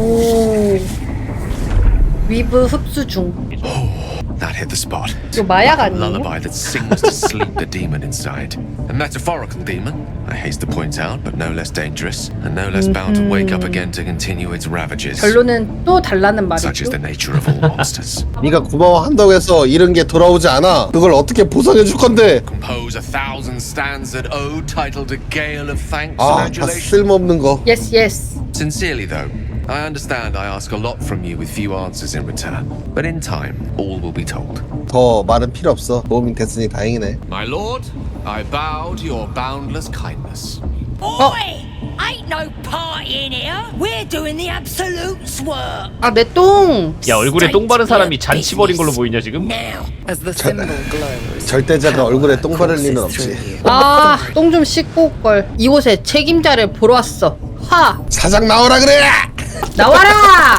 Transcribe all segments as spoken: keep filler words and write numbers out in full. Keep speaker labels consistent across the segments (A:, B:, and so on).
A: 오. 위브 흡수 중.
B: That hit the spot.
A: 이거 마약 아니에요?
B: Lullaby that sings to sleep the demon inside. A metaphorical demon, I haste to point out, but no less dangerous, and no less bound to wake up again to continue its ravages.
A: 결론은 또 달라는
B: Such is
A: 말이죠.
B: the nature of all monsters.
C: 네가 고마워한다고 해서 잃은 게 돌아오지 않아. 그걸 어떻게 보상해 줄 건데?
B: Compose a thousand stanzas ode titled A Gale of Thanks
C: 아,
B: and
C: 다
B: Adulation.
C: 쓸모없는 거.
A: Yes, yes.
B: Sincerely, though, I understand I ask a lot from you with few answers in return. But in time, all will be told.
C: 더 말은 필요 없어. 도움이 됐으니 다행이네.
B: My lord, I bow to your boundless kindness.
D: Oi! Ain't no party in here. We're doing the absolute's work.
A: 아, 내 똥.
E: 야 얼굴에 똥 바른 사람이 잔치 벌인 걸로 보이냐 지금?
D: Now,
F: As the symbol glows,
C: 절대자가 얼굴에 똥 바를 리는 없지.
A: 아, 똥 좀 씻고 올 걸. 이곳에 책임자를 보러 왔어. 화.
C: 사장 나오라 그래!
A: 나와라.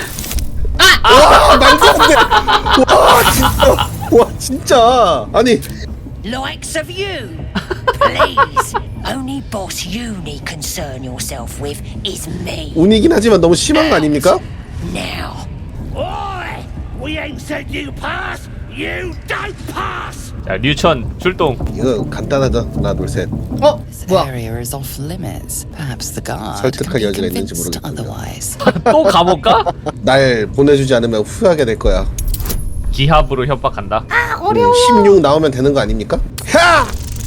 C: 와, 말도 안 돼! 와, 진짜! 와, 진짜! 아니,
D: likes of you, please. Only boss you need concern yourself with is me.
C: 운이긴 하지만 너무 심한 거 아닙니까?
D: Now. Oi! We ain't said you pass. You don't pass.
E: 자 류천 출동.
C: 이거 간단하다. 하나, 둘, 셋.
A: 어,
F: this
A: 뭐야?
F: area is off limits. Perhaps the guard
C: 설득할
F: can be
C: 여지가 있는지
F: convinced
C: 모르겠군요.
F: otherwise.
E: 또 감옥 가?
C: 날 보내주지 않으면 후회하게 될 거야.
E: 기합으로 협박한다.
C: 음, 십육 나오면 되는 거 아닙니까? 야!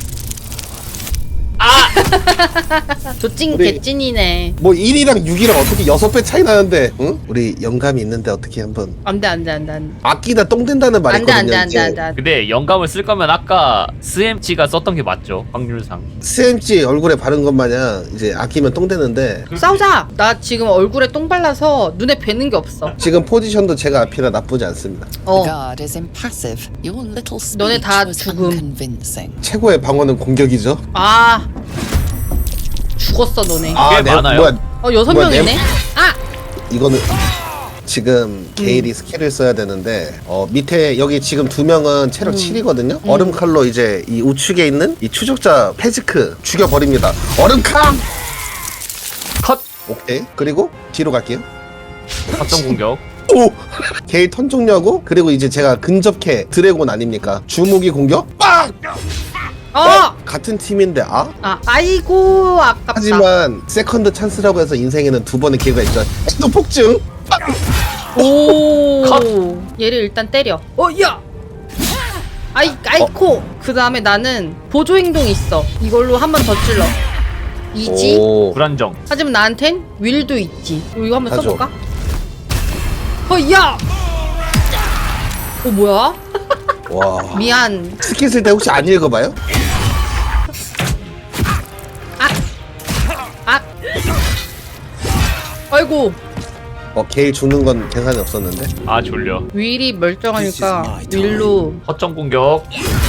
A: 조찐
C: 우리-
A: 개찐이네.
C: 뭐 일이랑 육이랑 어떻게 여섯 배 차이 나는데, 응? 우리 영감이 있는데 어떻게 한번
A: 안돼 안돼 안돼 안돼.
C: 아끼다 똥 된다는 말이
A: 안돼
C: 있거든요.
A: 안돼 안돼 안돼.
E: 근데 영감을 쓸 거면 아까 스엠치가 썼던 게 맞죠? 확률상.
C: 씨엠지 얼굴에 바른 것 마냥 이제 아끼면 똥 되는데
A: 싸우자. 나 지금 얼굴에 똥 발라서 눈에 뵈는 게 없어.
C: 지금 포지션도 제가 앞이라 나쁘지 않습니다.
A: 어.
F: The guard is impassive. Your little
A: 너네
F: speech
A: 다
F: was
A: 죽음.
F: unconvincing.
C: 최고의 방어는 공격이죠.
A: 아. 죽었어 너네.
C: 아,
E: 꽤
C: 내-
E: 많아요.
C: 뭐야,
A: 어 여섯
C: 뭐야,
A: 명이네.
C: 내-
A: 아.
C: 이거는 지금 게일이
A: 음.
C: 스킬을 써야 되는데 어 밑에 여기 지금 두 명은 체력
A: 음.
C: 칠이거든요. 얼음 칼로 이제 이 우측에 있는 이 추적자 페지크 죽여버립니다. 얼음 칼.
E: 컷.
C: 오케이. 그리고 뒤로 갈게요.
E: 확정 공격.
C: 오! 게일 턴 종료하고 그리고 이제 제가 근접캐 드래곤 아닙니까? 주무기 공격 빡!
A: 어.
C: 같은 팀인데 아?
A: 아. 아이고 아깝다.
C: 하지만 세컨드 찬스라고 해서 인생에는 두 번의 기회가 있죠. 또 폭증.
A: 오.
E: 컷.
A: 얘를 일단 때려. 어 야. 아이 아이코. 그 다음에 나는 보조 행동이 있어. 이걸로 한 번 더 찔러. 이지.
C: 오.
E: 불안정.
A: 하지만 나한텐 윌도 있지. 이거 한번
C: 하죠.
A: 써볼까? 어 야. 어 뭐야?
C: 와.
A: 미안.
C: 스킬 쓸 때 혹시 안 읽어봐요?
A: 아. 아이고.
C: 어 게일 죽는 건 계산이 없었는데.
E: 아 졸려.
A: 윌이 멀쩡하니까 윌로.
E: 허점 공격.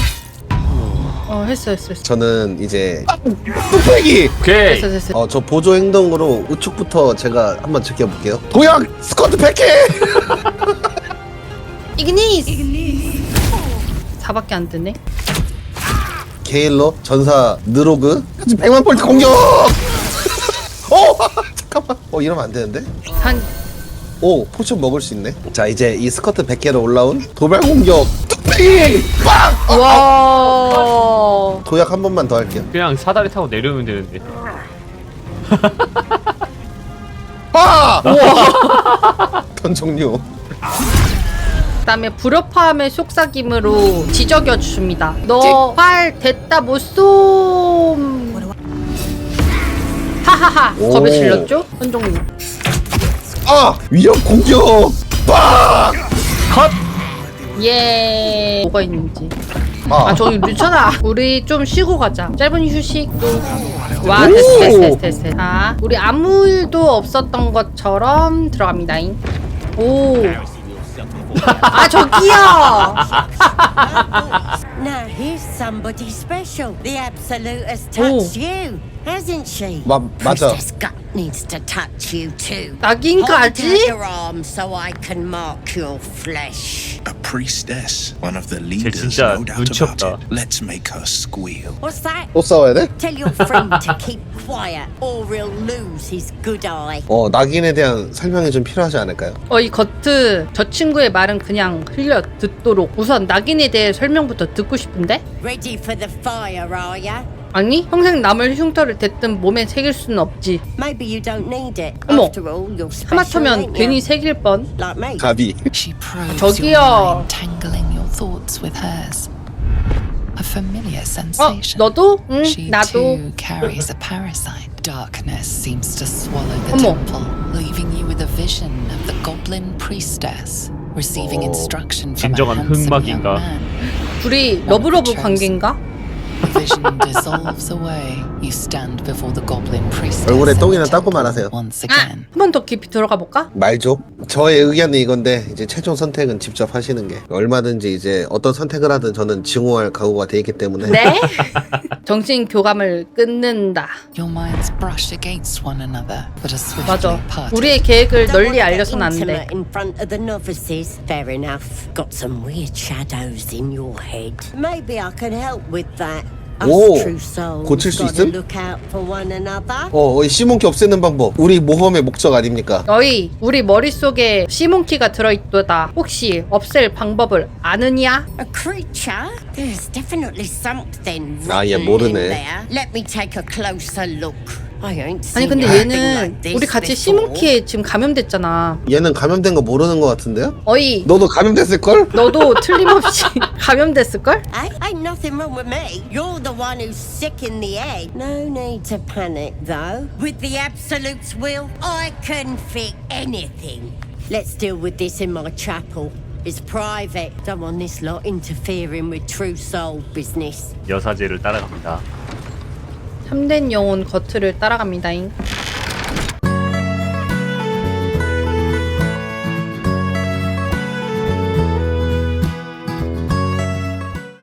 A: 어 했어 했어 했어.
C: 저는 이제 뚝배기.
E: 오케이.
A: 됐어 됐어.
C: 어 저 보조 행동으로 우측부터 제가 한번 지켜볼게요. 도약 스쿼트 백 개.
A: 이그니스. 사밖에 안 뜨네.
C: 게일로 전사 느로그 백만 볼트 공격. 어 잠깐만. 어 이러면 안 되는데.
A: 한
C: 오 포션 먹을 수 있네. 자 이제 이 스커트 백 개로 올라온 도발 공격 뚝배기 빵.
A: 와.
C: 도약 한 번만 더 할게요.
E: 그냥 사다리 타고 내려오면 되는데.
C: 아! 턴 종료.
A: 그다음에 불협화음의 속삭임으로 지적여 줍니다. 너 활 됐다 못 쏨. 하하하.
C: 오.
A: 겁에 질렸죠? 현종님.
C: 아 위협 공격 빵.
E: 컷.
A: 예. 뭐가 있는지.
C: 아,
A: 아 저기 류천아. 우리 좀 쉬고 가자. 짧은 휴식. 와
C: 오.
A: 됐어 됐어 됐어 됐어. 자 우리 아무 일도 없었던 것처럼 들어갑니다잉. 오. 아 저기요.
D: Now here's somebody special. The Absolute has touched you, hasn't she?
C: 마, 맞아.
D: Princess Gut needs to touch you too. Hold
A: 낙인까지?
D: out your arm so I can mark your flesh.
G: A priestess, one of the leaders,
E: 진짜
G: no doubt
E: 눈치
G: about
E: 없다.
G: it. Let's make her squeal.
D: What's that?
C: 또 싸워야 돼?
D: Tell your friend to keep quiet or he'll lose his good eye.
C: 어, 낙인에 대한 설명이 좀 필요하지 않을까요?
A: 어, 이 거트 저 친구의 말은 그냥 흘려 듣도록 우선 낙인에 대해 설명부터 듣고 싶은데?
D: Ready for the fire, are ya?
A: 아니 평생 남을 흉터를 댔든 몸에 새길 수는 없지.
D: Maybe you don't need it.
A: 어머,
D: After all, you're special,
A: 하마터면
D: ain't
A: 괜히
D: you?
A: 새길 뻔.
D: Like me.
C: 가비.
F: She probes
A: 저기요.
F: your mind, tangling your thoughts with hers. A familiar
A: 어,
F: sensation.
A: 너도? 응,
F: She
A: 나도.
F: too carries a parasite. Darkness seems to swallow the
A: 어머.
F: temple, leaving you with a vision of the goblin priestess receiving instruction from a
E: 진정한
F: handsome young
E: 흑막인가?
F: man.
A: 둘이 러브러브 관계인가?
F: The vision dissolves away. You stand before the goblin priestess.
C: 얼굴에
F: in the
C: 똥이나 닦고
F: temple
C: 말하세요.
F: once
A: 아,
F: again.
A: 한 번 더 깊이 들어가 볼까?
C: 말죠. 저의 의견은 이건데 이제 최종 선택은 직접 하시는 게 얼마든지 이제 어떤 선택을 하든 저는 증오할 각오가 돼 있기 때문에
A: 네? 정신 교감을 끊는다.
F: Your minds brush against one another, but are swiftly
A: 맞아.
F: parted.
A: 우리의 계획을
D: Don't
A: 널리
D: wanna get
A: 알려선 안 돼.
D: intimate in front of the novices. Fair enough. Got some weird shadows in your head. Maybe I can help with that. Us
C: 오,
D: true souls
C: 고칠 수
D: gotta
C: 있음?
D: look out for one another.
C: 어, 이 씨몬키 없애는 방법 우리 모험의 목적 아닙니까?
A: 너희 우리 머릿속에 시몬키가 들어있도다. 혹시 없앨 방법을 아느냐?
D: A creature? There's definitely something
C: 아, 얘
D: rotten in
C: 모르네.
D: there. Let me take a closer look. I ain't
A: 아니
D: seen
A: 근데
D: anything
A: 얘는
D: like this
A: 우리 같이
D: before.
A: 시몬키에 지금 감염됐잖아.
C: 얘는 감염된 거 모르는 거 같은데요?
A: 어이
C: 너도 감염됐을걸?
A: 너도 틀림없이 감염됐을걸?
D: Hey, ain't nothing wrong with me. You're the one who's sick in the head. No need to panic, though. With the Absolute's will, I can fix anything. Let's deal with this in my chapel. It's private. Don't want this lot interfering with true soul business.
E: 여사제를 따라갑니다.
A: 참된 영혼 거트를 따라갑니다잉.